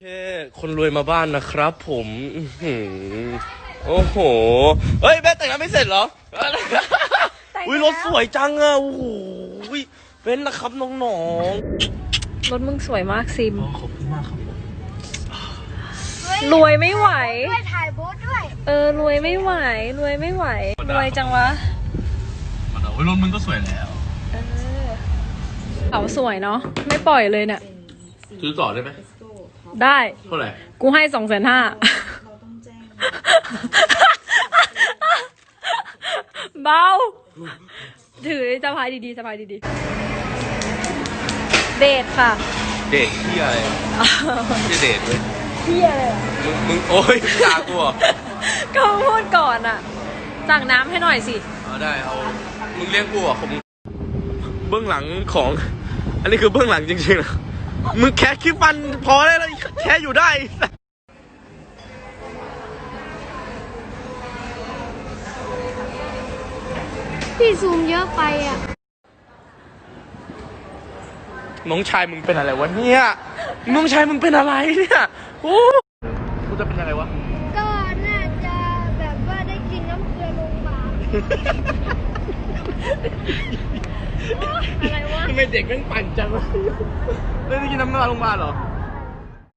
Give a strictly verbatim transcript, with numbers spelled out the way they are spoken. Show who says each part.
Speaker 1: แค่คนรวยมาบ้านนะครับผมโอ้โหเฮ้ยแม่แต่งงานไม่เสร็จเหรออุ้ยรถสวยจังอ่ะโอ้โหเป็นนะครับน้อง
Speaker 2: รถมึงสวยมากซิม
Speaker 1: ๆขอบคุณมากครับผม
Speaker 2: รวยไม่ไหว
Speaker 3: ด้วยถ่ายโบ๊ทด้วย
Speaker 2: เออรวยไม่ไหว รวยไม่ไหว รวยจังวะ
Speaker 1: มันเอารถมึงก็สวยแล้ว
Speaker 2: เออเขาสวยเนาะไม่ปล่อยเลยเนี่ย
Speaker 1: ซื้อต่อได้ไหม
Speaker 2: ได้
Speaker 1: เท่าไหร่
Speaker 2: กูให้สองแสนห้าเบาถือสะพายดีๆสะพายดีๆเดทค่ะ
Speaker 1: เดทที่อะไรที่เดทเลย
Speaker 2: เที่ยเลย
Speaker 1: มึงมึงโอ้ยตากูเหรอ
Speaker 2: ก็พูดก่อนอ่ะสั่งน้ำให้หน่อยสิ
Speaker 1: เอาได้เอามึงเลี้ยงกูเหรอ่ะผมเบื้องหลังของ อันนี้คือเบื้องหลังจริงๆนะมึงแค่คลิปมันพอได้แล้วแค่อยู่ได้
Speaker 3: พี่ซูมเยอะไปอ่ะ
Speaker 1: น้องชายมึงเป็นอะไรวะเนี่ยน้องชายมึงเป็นอะไรเนี่ยโอ้กูจะเป็นยังไงวะ
Speaker 3: ก็น่าจะแบบว่าได้กินน้ำเกลือโรงพยาบาล
Speaker 2: อะไรวะ
Speaker 1: ทำไมเด็กแม่งปั่นจังวะได้กินน้ำมันโรงพยาบาลเหรอ